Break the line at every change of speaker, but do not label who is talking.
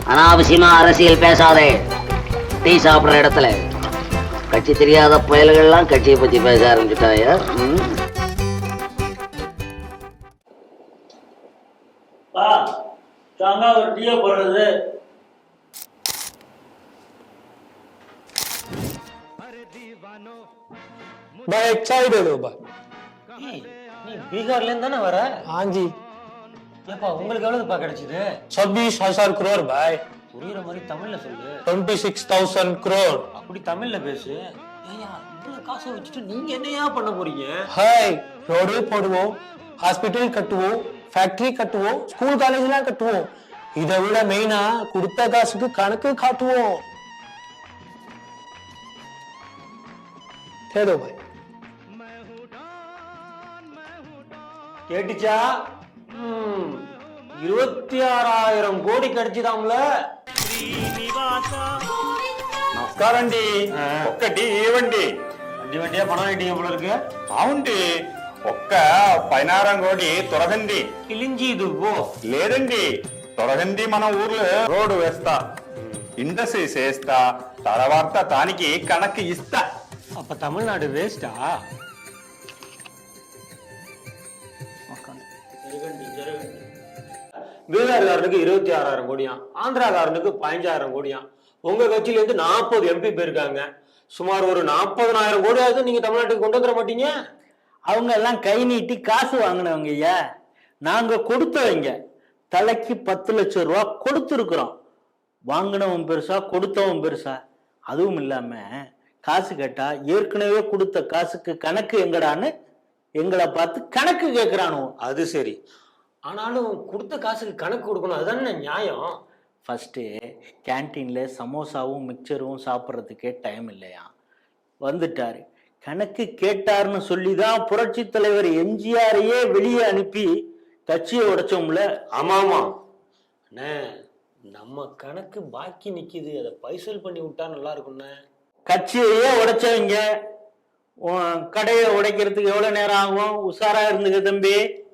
அனாவசியமா அரசியல் பேசாதே. டீ சாப்பிடுற இடத்துல கட்சி தெரியாத புயல்கள்லாம் கட்சியை பத்தி பேச ஆரம்பிச்சுட்டாயா?
ஒரு டீயை போடுறது.
भाई चाय दे दो भाई।
நீ பீகார்ல இருந்து தானே வர?
हाँ जी।
ஏப்பா உங்களுக்கு எவ்வளவுப்பா கிடைச்சது?
26,000 करोड़ भाई।
புரியுற மாதிரி தமிழ்ல சொல்லு.
26,000 करोड़।
அப்படி தமிழ்ல பேசு. ஏய்யா இவ்வளவு காசை வச்சுட்டு நீங்க என்னையா பண்ண போறீங்க?
हाय रोड போடுவோம், ஹாஸ்பிடல் கட்டுவோம், ஃபேக்டரி கட்டுவோம், ஸ்கூல் காலேஜ்லாம் கட்டுவோம். இதை விட மெயினா கொடுத்த காசுக்கு கணக்கு காட்டுவோம். दे दो भाई।
கேட்டுச்சா? 26,000 கோடி கிடைச்சுதாம்ல.
నమస్కారం అండి. ఒక్కటి ఇవ్వండి.
வண்டி வண்டியா பணம் ஐட்டிங்க போல இருக்கு.
అవునండి, ఒక్క 16 కోటి తొరగండి.
கிழிஞ்சி இது போ.
లేదండి, తొరగండి మన ఊర్లో రోడ్డు వేస్తా, ఇండస్ట్రీ చేస్తా, తర్వాత దానికి కనక్కి ఇస్తా.
அப்ப தமிழ்நாடு வேஸ்டா? பீகார்காரனுக்கு 26,000 கோடியாம், ஆந்திராக்காரனுக்கு 15,000 கோடியாம். உங்க கட்சியில இருந்து 40 எம்பி போயிருக்காங்க. சுமார் ஒரு 40,000 கோடியாவது நீங்க தமிழ்நாட்டுக்கு கொண்டு வந்துட மாட்டீங்க?
அவங்க எல்லாம் கை நீட்டி காசு வாங்கினவங்க ஐயா. நாங்க கொடுத்தவங்க. தலைக்கு 10 லட்சம் ரூபா கொடுத்துருக்குறோம். வாங்கினவன் பெருசா கொடுத்தவன் பெருசா? அதுவும் இல்லாம காசு கேட்டா ஏற்கனவே கொடுத்த காசுக்கு கணக்கு எங்கடான்னு எங்களை பார்த்து கணக்கு கேட்கிறானோ.
அது சரி, ஆனாலும் கொடுத்த காசுக்கு கணக்கு கொடுக்கணும், அதுதானே நியாயம்.
ஃபர்ஸ்ட்டு கேன்டீன்ல சமோசாவும் மிக்சரும் சாப்பிட்றதுக்கே டைம் இல்லையா, வந்துட்டாரு. கணக்கு கேட்டாருன்னு சொல்லி தான் புரட்சி தலைவர் எம்ஜிஆரையே வெளியே அனுப்பி கட்சியை உடைச்சோம்ல.
ஆமாமா அண்ணே, நம்ம கணக்கு பாக்கி நிக்குது, அதை பைசல் பண்ணி விட்டா நல்லா இருக்கும்ண்ணே.
கட்சியையே உடைச்சவங்க கடையை உடைக்கிறதுக்கு எவ்வளவு நேரம் ஆகும்? உஷாரா இருந்துக்க தம்பி.